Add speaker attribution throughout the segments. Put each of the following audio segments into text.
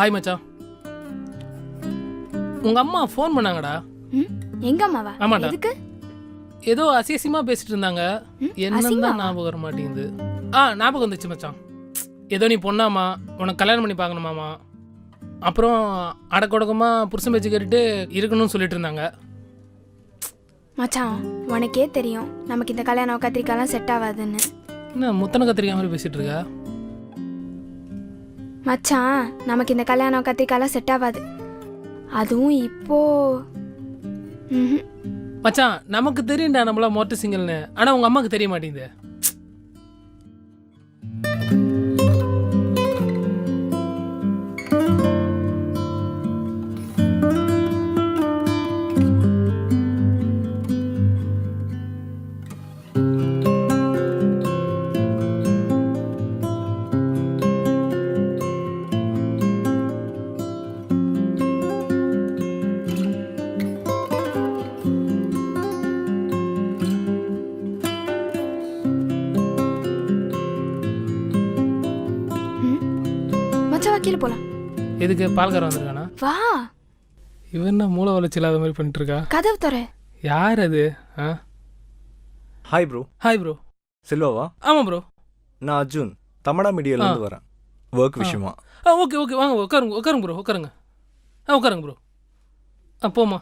Speaker 1: Hi மச்சான். உங்க அம்மா ஃபோன் பண்ணாங்கடா.
Speaker 2: எங்க அம்மாவா?
Speaker 1: ஆமாடா.
Speaker 2: எதுக்கு?
Speaker 1: ஏதோ அசியசியமா பேசிட்டு இருந்தாங்க. என்னன்னு தான் ஞாபகம் வர மாட்டேங்குது. ஞாபகம் வந்துச்சு மச்சான். ஏதோ நீ பொண்ணாமா, உனக்கு கல்யாணம் பண்ணி பார்க்கணுமாமா, அப்புறம் அடக்கொடக்கமா புருஷன் பேச்சு கேட்டுட்டு இருக்கணும்னு சொல்லிட்டு இருந்தாங்க.
Speaker 2: மச்சான் உனக்கே தெரியும் நமக்கு இந்த கல்யாணம் கத்திரிக்காலாம் செட் ஆகாதுன்னு.
Speaker 1: என்ன முத்தனை கத்திரிக்காய் மாதிரி பேசிட்டு இருக்கா?
Speaker 2: மச்சான் நமக்கு இந்த கல்யாணம் கத்திரிக்காலாம் செட் ஆகாது. அதுவும் இப்போ
Speaker 1: மச்சான் நமக்கு தெரியும்டா நம்மளா மொட்டை சிங்கல்னு. ஆனா உங்க அம்மாவுக்கு தெரிய மாட்டேங்குது.
Speaker 2: கீழே போலாம்.
Speaker 1: எதுக்கு? பால்காரன் வந்திருக்கானா?
Speaker 2: வா.
Speaker 1: இவன் என்ன மூளை வளர்ச்சி இல்லாத மாதிரி பண்ணிட்டு இருக்கா?
Speaker 2: கதவு தர.
Speaker 1: யார் அது?
Speaker 3: Hi bro.
Speaker 1: Hi bro.
Speaker 3: செல்வாவா?
Speaker 1: ஆமா ப்ரோ.
Speaker 3: நான் அர்ஜுன், தமிழா மீடியால இருந்து வரேன், ஒர்க் விஷயமா.
Speaker 1: ஓகே ஓகே, வாங்க உட்காருங்க உட்காருங்க ப்ரோ, உட்காருங்க. உட்காருங்க ப்ரோ. போமா.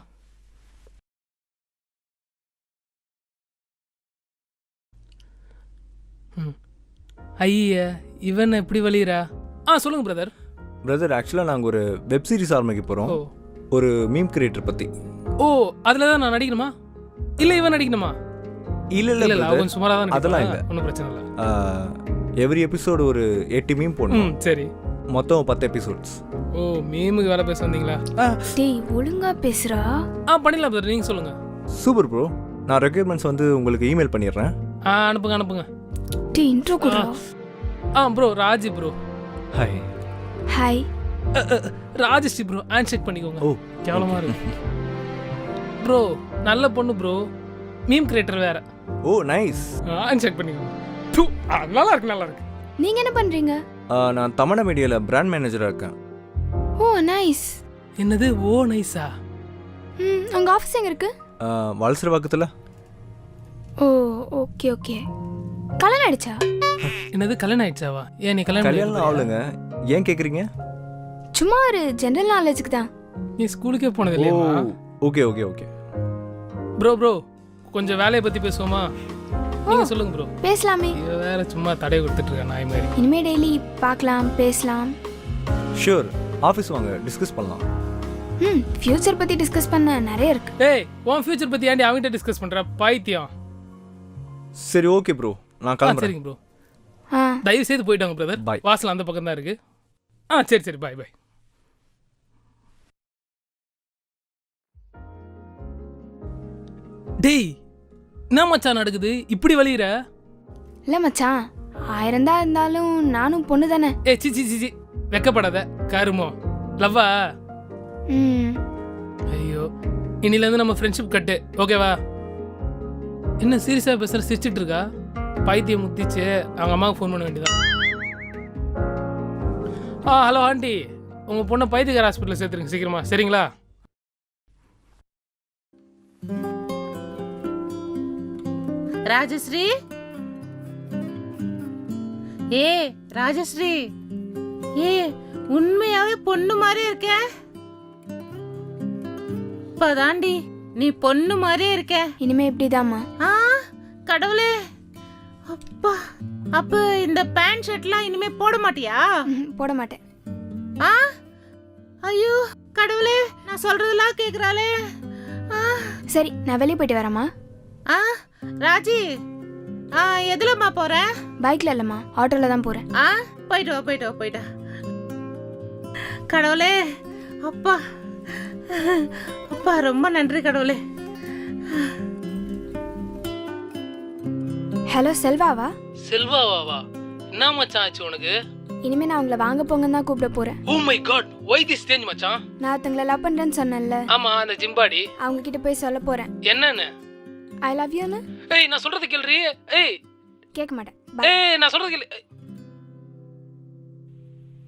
Speaker 1: ஐயா இவன் எப்படி வலிரா? சொல்லுங்க பிரதர்.
Speaker 3: பிரதர் ஆக்சுவலாக நாங்கள் ஒரு வெப் சீரிஸ் ஆரம்பிக்க போகிறோம், ஒரு மீம் கிரியேட்டர் பற்றி.
Speaker 1: ஓ அதில் தான் நான் நடிக்கணுமா? இல்லை இவன் நடிக்கணுமா?
Speaker 3: இல்லை இல்லை இல்லை,
Speaker 1: கொஞ்சம் சுமாராக தான்.
Speaker 3: அதெல்லாம் இல்லை,
Speaker 1: ஒன்றும் பிரச்சனை இல்லை.
Speaker 3: எவ்ரி எபிசோடு ஒரு 8 மீம் போடணும்.
Speaker 1: சரி,
Speaker 3: மொத்தம் 10 எபிசோட்ஸ்.
Speaker 1: ஓ மீமுக்கு வேலை பேச வந்தீங்களா?
Speaker 2: டேய் ஒழுங்கா பேசுறா.
Speaker 1: பண்ணிடலாம் பிரதர், நீங்கள் சொல்லுங்கள்.
Speaker 3: Super bro. நான் ரெக்யர்மெண்ட்ஸ் வந்து உங்களுக்கு இமெயில் பண்ணிடுறேன்.
Speaker 1: அனுப்புங்க அனுப்புங்க.
Speaker 2: டேய் இன்ட்ரோ கொடுடா.
Speaker 1: Bro Raji bro.
Speaker 3: Hi.
Speaker 2: Hi.
Speaker 1: Rajashree bro, hand shake பண்ணிக்கோங்க.
Speaker 3: ஓ
Speaker 1: கேவலமா இருக்கு ப்ரோ. நல்ல பொண்ணு ப்ரோ, மீம் கிரியேட்டர் வேற.
Speaker 3: ஓ நைஸ்.
Speaker 1: ஹேண்ட் ஷேக் பண்ணிக்கோங்க. நல்லா இருக்கு நல்லா இருக்கு.
Speaker 2: நீங்க என்ன பண்றீங்க?
Speaker 3: நான் தமிழா மீடியால பிராண்ட் மேனேஜரா இருக்கேன்.
Speaker 2: Oh nice.
Speaker 1: என்னது ஓ நைஸா?
Speaker 2: உங்க ஆபீஸ் எங்க இருக்கு?
Speaker 3: வலசர பக்கத்துல.
Speaker 2: Oh okay okay. கல்யாணம் ஆயிடுச்சா?
Speaker 1: என்னது கல்யாணம் ஆயிடுச்சாவா? ஏன் நீ
Speaker 3: கல்யாணம் ஆகலங்க, ஏன் கேக்குறீங்க?
Speaker 2: சும்மா ஒரு ஜெனரல் நாலேஜுக்கு தான்.
Speaker 1: நீ ஸ்கூலுக்கே போனது இல்லையா?
Speaker 3: Okay okay okay.
Speaker 1: ப்ரோ கொஞ்சம் வேலையை பத்தி பேசுவோமா? நீங்க சொல்லுங்க ப்ரோ.
Speaker 2: பேசலாமே.
Speaker 1: இவ வேற சும்மா தடை கொடுத்துட்டு இருக்கா நாய் மாதிரி.
Speaker 2: இனிமே டெய்லி பார்க்கலாம் பேசலாம்.
Speaker 3: ஷூர், ஆபீஸ் வாங்க டிஸ்கஸ் பண்ணலாம்.
Speaker 2: ஃபியூச்சர் பத்தி டிஸ்கஸ் பண்ண நிறைய இருக்கு.
Speaker 1: ஏய் உன் ஃபியூச்சர் பத்தி ஏன்டி அவங்கிட்ட டிஸ்கஸ் பண்ற பைத்தியம்?
Speaker 3: சரி ஓகே ப்ரோ, நான் கிளம்புறேன்.
Speaker 1: சரிங்க ப்ரோ. தயவு செய்து போயிட்டாங்க பிரதர்.
Speaker 3: பை.
Speaker 1: வாசல் அந்த பக்கம் தான் இருக்கு. சரி சரி, பாய் பாய். டேய் என்ன மச்சான் நடக்குது? இப்படி வலியுற?
Speaker 2: இல்ல மச்சான், 1000 தான் இருந்தாலும் நானும் பொண்ணு தானே.
Speaker 1: சி சி சி, வெக்கப்படாத கருமோ. லவ்வா? ஐயோ, இன்னில இருந்து நம்ம ஃப்ரெண்ட்ஷிப் கட்டு, ஓகேவா? என்ன சீரியஸா பேசுற? சிரிச்சிட்டு இருக்கா? பைத்தியம் முத்திச்சு. அவங்க அம்மாவுக்கு ஃபோன் பண்ண வேண்டியதான். ஹலோ ஆண்டி, உங்க பொண்ணை பைத்தியக்கார ஹாஸ்பிட்டலில் சேர்த்துருங்க சீக்கிரமா, சரிங்களா?
Speaker 4: ராஜஸ்ரீ, ராஜஸ்ரீ, உண்மையாவே பொண்ணு மாதிரி இருக்க. இப்பதாண்டி நீ பொண்ணு மாதிரியே இருக்க.
Speaker 2: இனிமே இப்படிதாம்மா.
Speaker 4: கடவுளே, அப்பா. அப்ப இந்த பேண்ட் ஷர்ட்லாம் இனிமே போட மாட்டியா?
Speaker 2: போட மாட்டேன்.
Speaker 4: ஐயோ கடவுளே, நான் சொல்றதெல்லாம் கேக்குறாளே.
Speaker 2: சரி நான் வெளியே போயிட்டு வரேம்மா.
Speaker 4: ராஜி, எதுலம்மா போற?
Speaker 2: பைக்ல இல்லம்மா, ஆட்டோல தான் போறேன்.
Speaker 4: போயிட்டு வா போயிட்டு வா போயிட்டா. கடவுளே, அப்பா அப்பா, ரொம்ப நன்றி கடவுளே.
Speaker 2: ஹலோ செல்வாவா?
Speaker 1: செல்வாவா? என்ன மச்சான் ஆச்சு உனக்கு?
Speaker 2: இனிமே நான் உங்களை வாங்க போங்கன்னு தான் கூப்பிட போறேன்.
Speaker 1: Oh my god, why this change மச்சான்?
Speaker 2: நான் ஒருத்தங்கள லவ் பண்றேன்னு சொன்னேன்ல.
Speaker 1: ஆமா, அந்த ஜிம்பாடி.
Speaker 2: அவங்க கிட்ட போய் சொல்ல போறேன்.
Speaker 1: என்னன்னு?
Speaker 2: ஐ லவ் யூ ன்னு.
Speaker 1: நான் சொல்றது கேளுரி.
Speaker 2: கேட்க மாட்டேன்.
Speaker 1: நான் சொல்றது கேளு.